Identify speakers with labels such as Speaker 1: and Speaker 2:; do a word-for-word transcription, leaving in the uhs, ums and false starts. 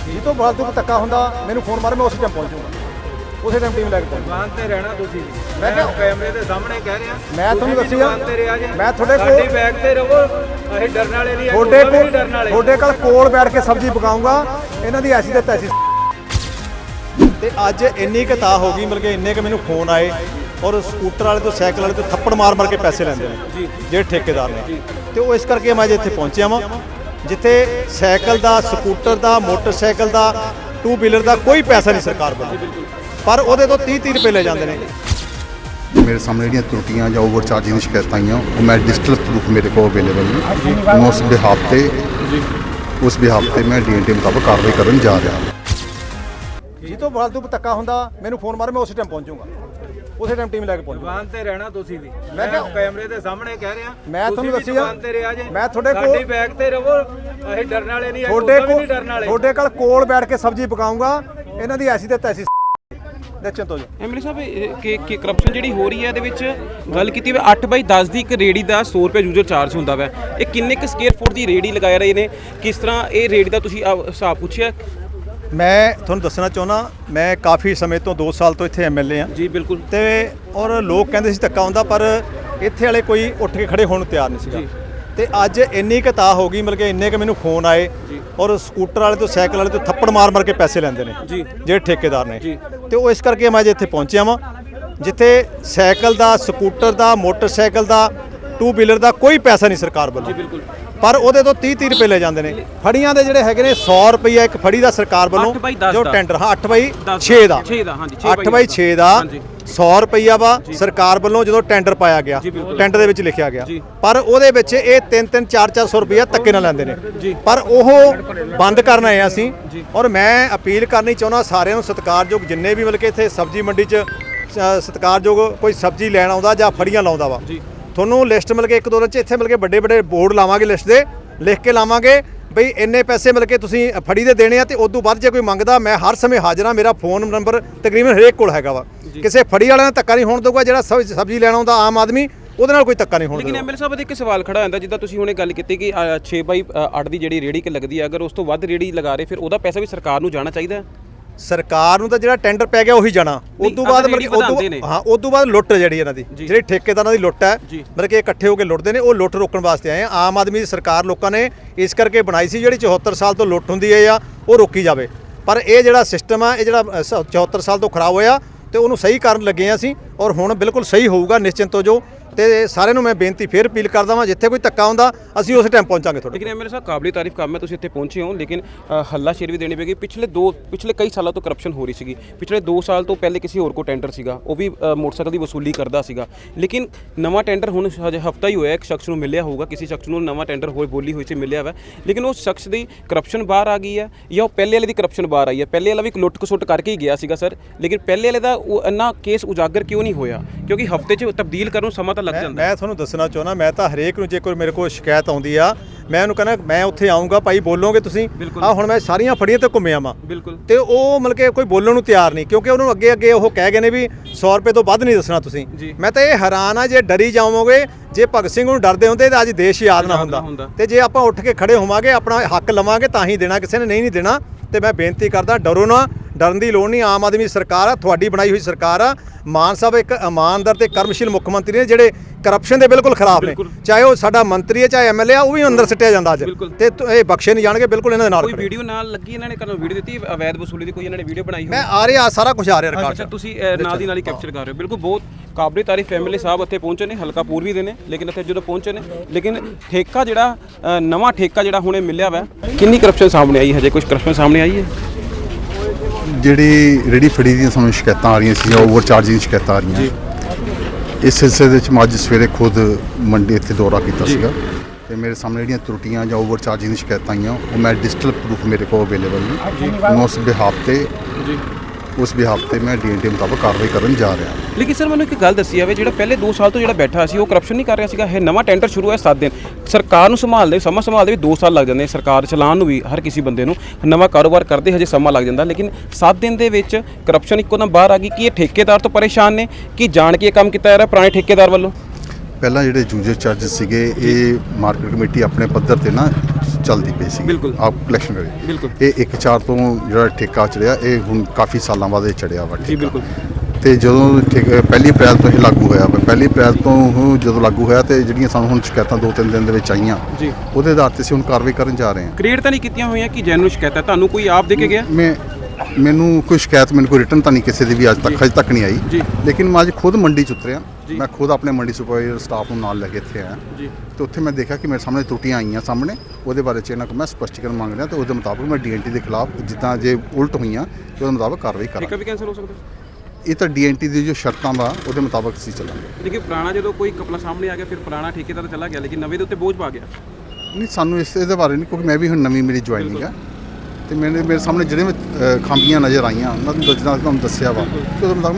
Speaker 1: ਜੀ ਤੋਂ ਫਾਲਤੂ ਕੋ ਧੱਕਾ ਹੁੰਦਾ ਮੈਨੂੰ ਫੋਨ ਮਾਰ, ਮੈਂ ਉਸੇ ਟਾਈਮ ਪਹੁੰਚੂਗਾ, ਉਸੇ ਟਾਈਮ ਟੀਮ ਲੈ ਕੇ ਪਹੁੰਚੂਗਾ।
Speaker 2: ਦੁਕਾਨ ਤੇ ਰਹਿਣਾ ਤੁਸੀਂ ਵੀ,
Speaker 1: ਮੈਂ ਕਿਹਾ
Speaker 2: ਕੈਮਰੇ ਦੇ ਸਾਹਮਣੇ ਕਹਿ ਰਿਹਾ,
Speaker 1: ਮੈਂ ਤੁਹਾਨੂੰ ਦੱਸਿਆ
Speaker 2: ਦੁਕਾਨ ਤੇ ਰਿਹਾ ਜੇ,
Speaker 1: ਮੈਂ ਤੁਹਾਡੇ ਕੋਲ
Speaker 2: ਸਾਡੀ ਬੈਗ ਤੇ ਰਹੋ, ਅਸੀਂ ਡਰਨ ਵਾਲੇ ਨਹੀਂ,
Speaker 1: ਤੁਹਾਡੇ ਕੋਲ ਤੁਹਾਡੇ ਕੋਲ ਕੋਲ ਬੈਠ ਕੇ ਸਬਜ਼ੀ ਪਕਾਉਂਗਾ, ਇਹਨਾਂ ਦੀ ਐਸੀ ਤੇ ਤੈਸੀ। ਤੇ ਅੱਜ ਇੰਨੀ ਕੁ ਤਾ ਹੋ ਗਈ, ਮਤਲਬ ਕਿ ਇੰਨੇ ਕੁ ਮੈਨੂੰ ਫੋਨ ਆਏ ਔਰ ਸਕੂਟਰ ਵਾਲੇ ਤੋਂ ਸਾਈਕਲ ਵਾਲੇ ਤੋਂ ਥੱਪੜ ਮਾਰ ਮਾਰ ਕੇ ਪੈਸੇ ਲੈਂਦੇ ਨੇ ਜਿਹੜੇ ਠੇਕੇਦਾਰ ਨੇ। ਤੇ ਉਹ ਇਸ ਕਰਕੇ ਮੈਂ ਅੱਜ ਇੱਥੇ ਪਹੁੰਚਿਆ ਵਾਂ, ਜਿੱਥੇ ਸਾਈਕਲ ਦਾ, ਸਕੂਟਰ ਦਾ, ਮੋਟਰਸਾਈਕਲ ਦਾ, ਟੂ ਵੀਲਰ ਦਾ ਕੋਈ ਪੈਸਾ ਨਹੀਂ ਸਰਕਾਰ ਵੱਲੋਂ, ਪਰ ਉਹਦੇ ਤੋਂ ਤੀਹ ਤੀਹ ਰੁਪਏ ਲੈ ਜਾਂਦੇ ਨੇ।
Speaker 3: ਮੇਰੇ ਸਾਹਮਣੇ ਜਿਹੜੀਆਂ ਤਰੁੱਟੀਆਂ ਜਾਂ ਓਵਰ ਚਾਰਜਿੰਗ ਦੀਆਂ ਸ਼ਿਕਾਇਤਾਂ ਆਈਆਂ, ਉਹ ਮੈਂ ਡਿਜੀਟਲ ਪ੍ਰੂਫ ਮੇਰੇ ਕੋਲ ਅਵੇਲੇਬਲ ਨੇ। ਮੈਂ ਉਸ ਬਿਹਾਫ ਤੇ ਉਸ ਬਿਹਾਫ ਤੇ ਮੈਂ ਡੀ ਐਨ ਟੀ ਮੁਤਾਬਕ ਕਾਰਵਾਈ ਕਰਨ ਜਾ ਰਿਹਾ ਹਾਂ।
Speaker 1: ਜੀ ਤੋਂ ਫਾਲਤੂ ਧੱਕਾ ਹੁੰਦਾ ਮੈਨੂੰ ਫੋਨ ਮਾਰ, ਮੈਂ ਉਸੇ ਟਾਈਮ ਪਹੁੰਚੂਗਾ, ਉਸੇ ਟਾਈਮ ਟੀਮ ਲੈ ਕੇ ਪਹੁੰਚੂਗਾ।
Speaker 2: ਦੁਕਾਨ ਤੇ ਰਹਿਣਾ ਤੁਸੀਂ ਵੀ,
Speaker 1: ਮੈਂ ਕਿਹਾ
Speaker 2: ਕੈਮਰੇ ਦੇ ਸਾਹਮਣੇ ਕਹਿ ਰਿਹਾ,
Speaker 1: ਮੈਂ ਤੁਹਾਨੂੰ ਦੱਸਿਆ
Speaker 2: ਦੁਕਾਨ ਤੇ ਰਿਹਾ ਜੇ,
Speaker 1: ਮੈਂ ਤੁਹਾਡੇ ਕੋਲ
Speaker 2: ਸਾਡੀ ਬੈਗ ਤੇ ਰਹੋ, ਅਸੀਂ ਡਰਨ ਵਾਲੇ ਨਹੀਂ,
Speaker 1: ਤੁਹਾਡੇ ਕੋਲ ਤੁਹਾਡੇ ਕੋਲ ਕੋਲ ਬੈਠ ਕੇ ਸਬਜ਼ੀ ਪਕਾਉਂਗਾ, ਇਹਨਾਂ ਦੀ ਐਸੀ ਤੇ ਤੈਸੀ ਦੇਖਣ ਤੋਂ।
Speaker 4: ਐਮਐਲਏ ਸਾਹਿਬ ਕਿ ਕਿ ਕਰਪਸ਼ਨ ਜਿਹੜੀ ਹੋ ਰਹੀ ਹੈ ਇਹਦੇ ਵਿੱਚ ਗੱਲ ਕੀਤੀ ਵੇ ਅੱਠ ਬਾਈ ਦਸ ਦੀ ਇੱਕ ਰੇੜੀ ਦਾ ਸੌ ਰੁਪਏ ਯੂਜ਼ਰ ਚਾਰਜ ਹੁੰਦਾ ਵਾ, ਇਹ ਕਿੰਨੇ ਕੁ ਸਕੁਅਰ ਫੁੱਟ ਦੀ ਰੇੜੀ ਲਗਾ ਰਹੇ ਨੇ, ਕਿਸ ਤਰ੍ਹਾਂ ਇਹ ਰੇੜੀ ਦਾ ਤੁਸੀਂ ਹਿਸਾਬ ਪੁੱਛਿਆ?
Speaker 1: ਮੈਂ ਤੁਹਾਨੂੰ ਦੱਸਣਾ ਚਾਹੁੰਦਾ, ਮੈਂ ਕਾਫੀ ਸਮੇਂ ਤੋਂ ਦੋ ਸਾਲ ਤੋਂ ਇੱਥੇ ਐਮਐਲਏ ਆ
Speaker 4: ਜੀ ਬਿਲਕੁਲ।
Speaker 1: ਤੇ ਔਰ ਲੋਕ ਕਹਿੰਦੇ ਸੀ ਧੱਕਾ ਹੁੰਦਾ, ਪਰ ਇੱਥੇ ਵਾਲੇ ਕੋਈ ਉੱਠ ਕੇ ਖੜੇ ਹੋਣ ਨੂੰ ਤਿਆਰ ਨਹੀਂ ਸੀਗਾ। ਤੇ ਅੱਜ ਇੰਨੀ ਕੁ ਤਾ ਹੋ ਗਈ, ਮਤਲਬ ਕਿ ਇੰਨੇ ਕੁ ਮੈਨੂੰ ਫੋਨ ਆਏ ਔਰ ਸਕੂਟਰ ਵਾਲੇ ਤੋਂ ਸਾਈਕਲ ਵਾਲੇ ਤੋਂ ਥੱਪੜ ਮਾਰ ਮਾਰ ਕੇ ਪੈਸੇ ਲੈਂਦੇ ਨੇ ਜਿਹੜੇ ਠੇਕੇਦਾਰ ਨੇ। ਤੇ ਉਹ ਇਸ ਕਰਕੇ ਮੈਂ ਅੱਜ ਇੱਥੇ ਪਹੁੰਚਿਆ ਵਾਂ, ਜਿੱਥੇ ਸਾਈਕਲ ਦਾ, ਸਕੂਟਰ ਦਾ, ਮੋਟਰਸਾਈਕਲ ਦਾ, ਟੂ ਵੀਲਰ ਦਾ ਕੋਈ ਪੈਸਾ ਨਹੀਂ ਸਰਕਾਰ ਵੱਲੋਂ, ਪਰ ਉਹਦੇ ਤੋਂ ਤੀਹ ਤੀਹ ਰੁਪਏ ਲੈ ਜਾਂਦੇ ਨੇ। ਫੜੀਆਂ ਦੇ ਜਿਹੜੇ ਹੈਗੇ ਨੇ ਸੌ ਰੁਪਈਆ ਇੱਕ ਫੜੀ ਦਾ ਸਰਕਾਰ ਵੱਲੋਂ, ਜੋ ਟੈਂਡਰ ਹਾਂ ਅੱਠ ਬਾਈ ਛੇ ਦਾ ਅੱਠ ਬਾਈ ਛੇ ਦਾ ਸੌ ਰੁਪਈਆ ਵਾ ਸਰਕਾਰ ਵੱਲੋਂ ਜਦੋਂ ਟੈਂਡਰ ਪਾਇਆ ਗਿਆ, ਟੈਂਡਰ ਦੇ ਵਿੱਚ ਲਿਖਿਆ ਗਿਆ, ਪਰ ਉਹਦੇ ਵਿੱਚ ਇਹ ਤਿੰਨ ਤਿੰਨ ਚਾਰ ਚਾਰ ਸੌ ਰੁਪਈਆ ਧੱਕੇ ਨਾਲ ਲੈਂਦੇ ਨੇ। ਪਰ ਉਹ ਬੰਦ ਕਰਨ ਆਏ ਅਸੀਂ, ਔਰ ਮੈਂ ਅਪੀਲ ਕਰਨੀ ਚਾਹੁੰਦਾ ਸਾਰਿਆਂ ਨੂੰ, ਸਤਿਕਾਰਯੋਗ ਜਿੰਨੇ ਵੀ ਮਤਲਬ ਕਿ ਇੱਥੇ ਸਬਜ਼ੀ ਮੰਡੀ 'ਚ ਸਤਿਕਾਰਯੋਗ ਕੋਈ ਸਬਜ਼ੀ ਲੈਣ ਆਉਂਦਾ ਜਾਂ ਫੜੀਆਂ ਲਾਉਂਦਾ ਵਾ, ਤੁਹਾਨੂੰ ਲਿਸਟ ਮਿਲ ਕੇ ਇੱਕ ਦੋ ਦਿਨ 'ਚ ਇੱਥੇ ਮਿਲ ਕੇ ਵੱਡੇ ਵੱਡੇ ਬੋਰਡ ਲਾਵਾਂਗੇ, ਲਿਸਟ ਦੇ ਲਿਖ ਕੇ ਲਾਵਾਂਗੇ ਬਈ ਇੰਨੇ ਪੈਸੇ ਮਿਲ ਕੇ ਤੁਸੀਂ ਫੜੀ ਦੇ ਦੇਣੇ ਆ। ਤੇ ਉਦੋਂ ਬਾਅਦ ਜੇ ਕੋਈ ਮੰਗਦਾ, ਮੈਂ ਹਰ ਸਮੇਂ ਹਾਜ਼ਰ ਹਾਂ, ਮੇਰਾ ਫੋਨ ਨੰਬਰ ਤਕਰੀਬਨ ਹਰੇਕ ਕੋਲ ਹੈਗਾ ਵਾ। ਕਿਸੇ ਫੜੀ ਵਾਲਿਆਂ ਨਾਲ ਧੱਕਾ ਨਹੀਂ ਹੋਣ ਦਊਗਾ, ਜਿਹੜਾ ਸਬਜ਼ੀ ਲੈਣ ਆਉਂਦਾ ਆਮ ਆਦਮੀ, ਉਹਦੇ ਨਾਲ ਕੋਈ ਧੱਕਾ ਨਹੀਂ ਹੋਣ ਦਊਗਾ।
Speaker 4: ਲੇਕਿਨ ਐਮਐਲਏ ਸਾਹਿਬ ਦੇ ਇੱਕ ਸਵਾਲ ਖੜਾ ਹੁੰਦਾ, ਜਿੱਦਾਂ ਤੁਸੀਂ ਹੁਣੇ ਗੱਲ ਕੀਤੀ ਕਿ ਛੇ ਬਾਈ ਅੱਠ ਦੀ ਜਿਹੜੀ ਰੇੜੀ ਕਿ ਲੱਗਦੀ ਹੈ, ਅਗਰ ਉਸ ਤੋਂ ਵੱਧ ਰੇੜੀ ਲਗਾ ਰਹੇ, ਫਿਰ ਉਹਦਾ ਪੈਸਾ ਵੀ ਸਰਕਾਰ ਨੂੰ ਜਾਣਾ ਚਾਹੀਦਾ ਹੈ।
Speaker 1: ਸਰਕਾਰ ਨੂੰ ਤਾਂ ਜਿਹੜਾ ਟੈਂਡਰ ਪੈ ਗਿਆ ਉਹੀ ਜਾਣਾ। ਉਸ ਤੋਂ ਬਾਅਦ ਮਤਲਬ ਹਾਂ ਉਸ ਤੋਂ ਬਾਅਦ ਲੁੱਟ ਜਿਹੜੀ ਇਹਨਾਂ ਦੀ, ਜਿਹੜੀ ਠੇਕੇਦਾਰਾਂ ਦੀ ਲੁੱਟ ਹੈ, ਮਤਲਬ ਕਿ ਇਕੱਠੇ ਹੋ ਕੇ ਲੁੱਟਦੇ ਨੇ, ਉਹ ਲੁੱਟ ਰੋਕਣ ਵਾਸਤੇ ਆਏ ਆ। ਆਮ ਆਦਮੀ ਦੀ ਸਰਕਾਰ ਲੋਕਾਂ ਨੇ ਇਸ ਕਰਕੇ ਬਣਾਈ ਸੀ, ਜਿਹੜੀ ਚੌਹੱਤਰ ਸਾਲ ਤੋਂ ਲੁੱਟ ਹੁੰਦੀ ਹੈ ਆ ਉਹ ਰੋਕੀ ਜਾਵੇ। ਪਰ ਇਹ ਜਿਹੜਾ ਸਿਸਟਮ ਆ, ਇਹ ਜਿਹੜਾ ਚੌਹੱਤਰ ਸਾਲ ਤੋਂ ਖਰਾਬ ਹੋਇਆ, ਤੇ ਉਹਨੂੰ ਸਹੀ ਕਰਨ ਲੱਗੇ ਆ ਅਸੀਂ, ਔਰ ਹੁਣ ਬਿਲਕੁਲ ਸਹੀ ਹੋਊਗਾ, ਨਿਸ਼ਚਿੰਤ ਹੋ ਜਾਓ। ਤੇ ਸਾਰਿਆਂ ਨੂੰ ਮੈਂ ਬੇਨਤੀ ਫੇਰ ਅਪੀਲ ਕਰਦਾ ਵਾਂ, ਜਿੱਥੇ ਕੋਈ ਧੱਕਾ ਹੁੰਦਾ ਅਸੀਂ ਉਸੇ ਟਾਈਮ ਪਹੁੰਚਾਂਗੇ ਤੁਹਾਡੇ।
Speaker 4: ਲੇਕਿਨ ਐਮਐਲਏ ਸਾਹਿਬ ਕਾਬਲੇ ਤਾਰੀਫ ਕੰਮ ਹੈ, ਤੁਸੀਂ ਇੱਥੇ ਪਹੁੰਚੇ ਹੋ, ਲੇਕਿਨ ਹੱਲਾ ਸ਼ੇਰ ਵੀ ਦੇਣੀ ਪਏਗੀ। ਪਿਛਲੇ ਦੋ ਪਿਛਲੇ ਕਈ ਸਾਲਾਂ ਤੋਂ ਕਰਪਸ਼ਨ ਹੋ ਰਹੀ ਸੀਗੀ। ਪਿਛਲੇ ਦੋ ਸਾਲ ਤੋਂ ਪਹਿਲੇ ਕਿਸੇ ਹੋਰ ਕੋ ਟੈਂਡਰ ਸੀਗਾ, ਉਹ ਵੀ ਮੋਟਰਸਾਈਕਲ ਦੀ ਵਸੂਲੀ ਕਰਦਾ ਸੀਗਾ। ਲੇਕਿਨ ਨਵਾਂ ਟੈਂਡਰ ਹੁਣ ਹਜੇ ਹਫਤਾ ਹੀ ਹੋਇਆ, ਇੱਕ ਸ਼ਖਸ ਨੂੰ ਮਿਲਿਆ ਹੋਊਗਾ, ਕਿਸੇ ਸ਼ਖਸ ਨੂੰ ਨਵਾਂ ਟੈਂਡਰ ਹੋਏ ਬੋਲੀ ਹੋਈ ਸੀ ਮਿਲਿਆ ਵਾ, ਲੇਕਿਨ ਉਸ ਸ਼ਖਸ ਦੀ ਕਰਪਸ਼ਨ ਬਾਹਰ ਆ ਗਈ ਹੈ ਜਾਂ ਉਹ ਪਹਿਲੇ ਵਾਲੇ ਦੀ ਕਰਪਸ਼ਨ ਬਾਹਰ ਆਈ ਹੈ। ਪਹਿਲੇ ਵਾਲਾ ਵੀ ਲੁੱਟ ਖਸੁੱਟ ਕਰਕੇ ਹੀ ਗਿਆ ਸੀਗਾ ਸਰ, ਲੇਕਿਨ ਪਹਿਲੇ ਵਾਲੇ ਦਾ ਉਹ ਇੰਨਾ ਕੇਸ ਉਜਾਗਰ ਕਿਉਂ ਨਹੀਂ ਹੋਇਆ? ਕਿਉਂਕਿ ਹਫਤੇ 'ਚ ਤਬਦੀਲ ਕਰਨ ਨੂੰ ਸਮਾਂ ਤਾਂ ਲੱਗ ਜਾਂਦਾ।
Speaker 1: ਮੈਂ ਤੁਹਾਨੂੰ ਦੱਸਣਾ ਚਾਹੁੰਦਾ, ਮੈਂ ਤਾਂ ਹਰੇਕ ਨੂੰ ਜੇ ਕੋਈ ਮੇਰੇ ਕੋਲ ਸ਼ਿਕਾਇਤ ਆਉਂਦੀ ਆ, ਮੈਂ ਉਹਨੂੰ ਕਹਿੰਦਾ ਮੈਂ ਉੱਥੇ ਆਉਂਗਾ, ਭਾਈ ਬੋਲੋਗੇ ਤੁਸੀਂ। ਆ ਹੁਣ ਮੈਂ ਸਾਰੀਆਂ ਫੜੀਆਂ ਤੇ ਘੁੰਮਿਆ ਵਾਂ, ਤੇ ਉਹ ਮਤਲਬ ਕਿ ਕੋਈ ਬੋਲਣ ਨੂੰ ਤਿਆਰ ਨਹੀਂ, ਕਿਉਂਕਿ ਉਹਨੂੰ ਅੱਗੇ ਅੱਗੇ ਉਹ ਕਹਿ ਗਏ ਨੇ ਵੀ ਸੌ ਰੁਪਏ ਤੋਂ ਵੱਧ ਨਹੀਂ ਦੱਸਣਾ ਤੁਸੀਂ। ਮੈਂ ਤਾਂ ਇਹ ਹੈਰਾਨ ਆ, ਜੇ ਡਰੀ ਜਾਵੋਗੇ, ਜੇ ਭਗਤ ਸਿੰਘ ਨੂੰ ਡਰਦੇ ਹੁੰਦੇ ਤਾਂ ਅੱਜ ਦੇਸ਼ ਯਾਦ ਨਾ ਹੁੰਦਾ। ਤੇ ਜੇ ਆਪਾਂ ਉੱਠ ਕੇ ਖੜੇ ਹੋਵਾਂਗੇ, ਆਪਣਾ ਹੱਕ ਲਵਾਂਗੇ, ਤਾਂ ਹੀ ਦੇਣਾ, ਕਿਸੇ ਨੇ ਨਹੀਂ ਨਹੀਂ ਦੇਣਾ। ਤੇ ਮੈਂ ਬੇਨਤੀ ਕਰਦਾ, ਡਰੋ ਨਾ, ਡਰਨ ਦੀ ਲੋੜ ਨਹੀਂ। ਆਮ ਆਦਮੀ ਸਰਕਾਰ ਆ, ਤੁਹਾਡੀ ਬਣਾਈ ਹੋਈ ਸਰਕਾਰ ਆ। ਮਾਨ ਸਾਹਿਬ ਇੱਕ ਇਮਾਨਦਾਰ ਤੇ ਕਰਮਸ਼ੀਲ ਮੁੱਖ ਮੰਤਰੀ ਨੇ, ਜਿਹੜੇ ਕਰਪਸ਼ਨ ਦੇ ਬਿਲਕੁਲ ਖਿਲਾਫ ਨੇ। ਚਾਹੇ ਉਹ ਸਾਡਾ ਮੰਤਰੀ ਹੈ, ਚਾਹੇ ਐਮਐਲਏ ਆ, ਉਹ ਵੀ ਅੰਦਰ ਸਿੱਟਿਆ ਜਾਂਦਾ ਅੱਜ, ਤੇ ਇਹ ਬਖਸ਼ੇ ਨਹੀਂ ਜਾਣਗੇ। ਬਿਲਕੁਲ ਇਹਨਾਂ ਦੇ ਨਾਲ
Speaker 4: ਕੋਈ ਵੀਡੀਓ ਨਾਲ ਲੱਗੀ, ਇਹਨਾਂ ਨੇ ਕਦੋਂ ਵੀਡੀਓ ਦਿੱਤੀ ਅਵੈਧ ਵਸੂਲੀ ਦੀ, ਕੋਈ ਇਹਨਾਂ ਨੇ ਵੀਡੀਓ ਬਣਾਈ ਹੋਈ?
Speaker 1: ਮੈਂ ਆ ਰਿਹਾ, ਸਾਰਾ ਕੁਝ ਆ ਰਿਹਾ ਰਿਕਾਰਡ।
Speaker 4: ਅੱਛਾ, ਤੁਸੀਂ ਨਾਲ ਦੀ ਨਾਲ ਹੀ ਕੈਪਚਰ ਕਰ ਰਹੇ ਹੋ। ਬਿਲਕੁਲ ਬਹੁਤ ਕਾਬਲੇ ਤਾਰੀਫ ਐਮਐਲਏ ਸਾਹਿਬ ਇੱਥੇ ਪਹੁੰਚੇ ਨੇ, ਹਲਕਾ ਪੂਰਬੀ ਦੇ ਨੇ, ਲੇਕਿਨ ਇੱਥੇ ਜਦੋਂ ਪਹੁੰਚੇ ਨੇ, ਲੇਕਿਨ ਠੇਕਾ ਜਿਹੜਾ ਨਵਾਂ ਠੇਕਾ ਜਿਹੜਾ ਹੁਣੇ ਮਿਲਿਆ ਵਾ, ਕਿੰਨੀ ਕਰਪਸ਼ਨ ਸਾਹਮਣੇ ਆਈ? ਹਜੇ ਕੁਝ ਕਰਪਸ਼ਨ ਸਾਹਮਣੇ ਆਈ ਹੈ?
Speaker 3: ਜਿਹੜੀ ਰੇੜੀ ਫੜੀ ਦੀਆਂ ਸਾਨੂੰ ਸ਼ਿਕਾਇਤਾਂ ਆ ਰਹੀਆਂ ਸੀ, ਓਵਰ ਚਾਰਜਿੰਗ ਸ਼ਿਕਾਇਤਾਂ ਆ ਰਹੀਆਂ, ਇਸ ਸਿਲਸਿਲੇ ਵਿੱਚ ਮੈਂ ਅੱਜ ਸਵੇਰੇ ਖੁਦ ਮੰਡੀ ਇੱਥੇ ਦੌਰਾ ਕੀਤਾ ਸੀਗਾ, ਤੇ ਮੇਰੇ ਸਾਹਮਣੇ ਜਿਹੜੀਆਂ ਤਰੁੱਟੀਆਂ ਜਾਂ ਓਵਰ ਚਾਰਜਿੰਗ ਦੀਆਂ ਸ਼ਿਕਾਇਤਾਂ ਆਈਆਂ, ਉਹ ਮੈਂ ਡਿਜੀਟਲ ਪ੍ਰੂਫ ਮੇਰੇ ਕੋਲ ਅਵੇਲੇਬਲ ਨੇ। ਮੈਂ ਉਸ ਬਿਹਾਫ ਤੇ ਉਸ ਬਿਹਾਫ ਤੇ ਮੈਂ ਡੀ ਐਨ ਟੀ ਮੁਤਾਬਕ ਕਾਰਵਾਈ ਕਰਨ ਜਾ ਰਿਹਾ।
Speaker 4: ਲੇਕਿਨ ਸਰ ਮੈਨੂੰ ਇੱਕ ਗੱਲ ਦੱਸੀ ਜਾਵੇ, ਜਿਹੜਾ ਪਹਿਲੇ ਦੋ ਸਾਲ ਤੋਂ ਜਿਹੜਾ ਬੈਠਾ ਸੀ ਉਹ ਕਰਪਸ਼ਨ ਨਹੀਂ ਕਰ ਰਿਹਾ ਸੀਗਾ। ਇਹ ਨਵਾਂ ਟੈਂਡਰ ਸ਼ੁਰੂ ਹੋਇਆ ਸੱਤ ਦਿਨ, ਸਰਕਾਰ ਨੂੰ ਸੰਭਾਲਦੇ ਸਮਾਂ ਸੰਭਾਲਦੇ ਵੀ ਦੋ ਸਾਲ ਲੱਗ ਜਾਂਦੇ, ਸਰਕਾਰ ਚਲਾਉਣ ਨੂੰ ਵੀ ਹਰ ਕਿਸੇ ਬੰਦੇ ਨੂੰ ਨਵਾਂ ਕਾਰੋਬਾਰ ਕਰਦੇ ਹਜੇ ਸਮਾਂ ਲੱਗ ਜਾਂਦਾ, ਲੇਕਿਨ ਸੱਤ ਦਿਨ ਦੇ ਵਿੱਚ ਕਰਪਸ਼ਨ ਇੱਕੋ ਦਮ ਬਾਹਰ ਆ ਗਈ। ਕਿ ਇਹ ਠੇਕੇਦਾਰ ਤੋਂ ਪਰੇਸ਼ਾਨ ਨੇ, ਕਿ ਜਾਣ ਕੇ ਕੰਮ ਕੀਤਾ ਜਾ ਰਿਹਾ ਪੁਰਾਣੇ ਠੇਕੇਦਾਰ ਵੱਲੋਂ?
Speaker 3: ਪਹਿਲਾਂ ਜਿਹੜੇ ਯੂਜ਼ਰ ਚਾਰਜਸ ਸੀਗੇ ਇਹ ਮਾਰਕੀਟ ਕਮੇਟੀ ਆਪਣੇ ਪੱਧਰ ਤੇ ਨਾ ਚੱਲਦੀ ਪਈ ਸੀ
Speaker 4: ਬਿਲਕੁਲ।
Speaker 3: ਆਪ ਕਲੈਕਸ਼ਨ ਕਰੇ
Speaker 4: ਬਿਲਕੁਲ।
Speaker 3: ਇਹ ਇੱਕ ਚਾਰ ਤੋਂ ਜਿਹੜਾ ਠੇਕਾ ਚੜਿਆ ਇਹ ਹੁਣ ਕਾਫੀ ਸਾਲਾਂ ਬਾਅਦ ਇਹ ਚੜਿਆ ਵਾ
Speaker 4: ਜੀ
Speaker 3: ਠੇਕਾ।
Speaker 4: ਬਿਲਕੁਲ।
Speaker 3: ਤੇ ਜਦੋਂ ਠੇਕਾ ਪਹਿਲੀ ਅਪ੍ਰੈਲ ਤੋਂ ਇਹ ਲਾਗੂ ਹੋਇਆ ਵਾ ਪਹਿਲੀ ਅਪ੍ਰੈਲ ਤੋਂ ਉਹ ਜਦੋਂ ਲਾਗੂ ਹੋਇਆ ਤੇ ਜਿਹੜੀਆਂ ਸਾਨੂੰ ਹੁਣ ਸ਼ਿਕਾਇਤਾਂ ਦੋ ਤਿੰਨ ਦਿਨ ਦੇ ਵਿੱਚ ਆਈਆਂ
Speaker 4: ਜੀ।
Speaker 3: ਉਹਦੇ ਆਧਾਰ ਤੇ ਅਸੀਂ ਹੁਣ ਕਾਰਵਾਈ ਕਰਨ ਜਾ ਰਹੇ ਹਾਂ।
Speaker 4: ਕ੍ਰੀਏਟ ਤਾਂ ਨਹੀਂ ਕੀਤੀਆਂ ਹੋਈਆਂ ਕਿ ਜੈਨੂਨ ਸ਼ਿਕਾਇਤ ਹੈ, ਤੁਹਾਨੂੰ ਕੋਈ ਆਪ ਦੇ ਕੇ ਗਿਆ?
Speaker 3: ਮੈਂ ਮੈਨੂੰ ਕੋਈ ਸ਼ਿਕਾਇਤ ਮੈਨੂੰ ਕੋਈ ਰਿਟਰਨ ਤਾਂ ਨਹੀਂ ਕਿਸੇ ਦੀ ਵੀ ਅੱਜ ਤੱਕ ਅਜੇ ਤੱਕ ਨਹੀਂ ਆਈ
Speaker 4: ਜੀ।
Speaker 3: ਲੇਕਿਨ ਮੈਂ ਅੱਜ ਖੁਦ ਮੰਡੀ 'ਚ ਉਤਰਿਆ
Speaker 4: ਜੀ।
Speaker 3: ਮੈਂ ਖੁਦ ਆਪਣੇ ਮੰਡੀ ਸੁਪਰਵਾਈਜ਼ਰ ਸਟਾਫ ਨੂੰ ਨਾਲ ਲੈ ਕੇ ਇੱਥੇ ਆਇਆ
Speaker 4: ਜੀ।
Speaker 3: ਤੇ ਉੱਥੇ ਮੈਂ ਦੇਖਿਆ ਕਿ ਮੇਰੇ ਸਾਹਮਣੇ ਤਰੁੱਟੀਆਂ ਆਈਆਂ ਸਾਹਮਣੇ ਉਹਦੇ ਬਾਰੇ 'ਚ ਇਹਨਾਂ ਕੋਲ ਮੈਂ ਸਪਸ਼ਟੀਕਰਨ ਮੰਗ ਰਿਹਾ ਤੇ ਉਹਦੇ ਮੁਤਾਬਕ ਮੈਂ ਡੀ ਐਨ ਟੀ ਦੇ ਖਿਲਾਫ ਜਿੱਦਾਂ ਜੇ ਉਲਟ ਹੋਈਆਂ ਤੇ ਉਹਦੇ ਮੁਤਾਬਕ ਕਾਰਵਾਈ
Speaker 4: ਠੇਕਾ
Speaker 3: ਕਰਾਂਗਾ।
Speaker 4: ਵੀ ਕੈਂਸਲ ਹੋ ਸਕਦਾ?
Speaker 3: ਇਹ ਤਾਂ ਡੀ ਐਨ ਟੀ ਦੀ ਜੋ ਸ਼ਰਤਾਂ ਵਾ ਉਹਦੇ ਮੁਤਾਬਕ ਅਸੀਂ ਚੱਲਾਂਗੇ।
Speaker 4: ਲੇਕਿਨ ਪੁਰਾਣਾ ਜਦੋਂ ਕੋਈ ਕਪਲਾ ਸਾਹਮਣੇ ਆ ਗਿਆ ਫਿਰ ਪੁਰਾਣਾ ਠੇਕੇਦਾਰ ਚਲਾ ਗਿਆ ਲੇਕਿਨ ਨਵੇਂ ਦੇ ਉੱਤੇ ਬੋਝ ਪਾ ਗਿਆ।
Speaker 3: ਨਹੀਂ ਸਾਨੂੰ ਇਸ ਇਹਦੇ ਬਾਰੇ ਨਹੀਂ ਕਿਉਂਕਿ ਮੈਂ ਵੀ ਹੁਣ ਨਵੀਂ ਮੇਰੀ ਜੁਆਇਨਿੰਗ ਆ ਤੇ ਮੇਰੇ ਮੇਰੇ ਸਾਹਮਣੇ ਜਿਹੜੇ ਅ, ਖਾਮੀਆਂ ਨਜ਼ਰ ਆਈਆਂ ਉਹਨਾਂ ਨੂੰ ਜਿੱਦਾਂ ਤੁਹਾਨੂੰ ਦੱਸਿਆ ਵਾ ਕਿ ਉਹਦੇ ਮੁਤਾਬਕ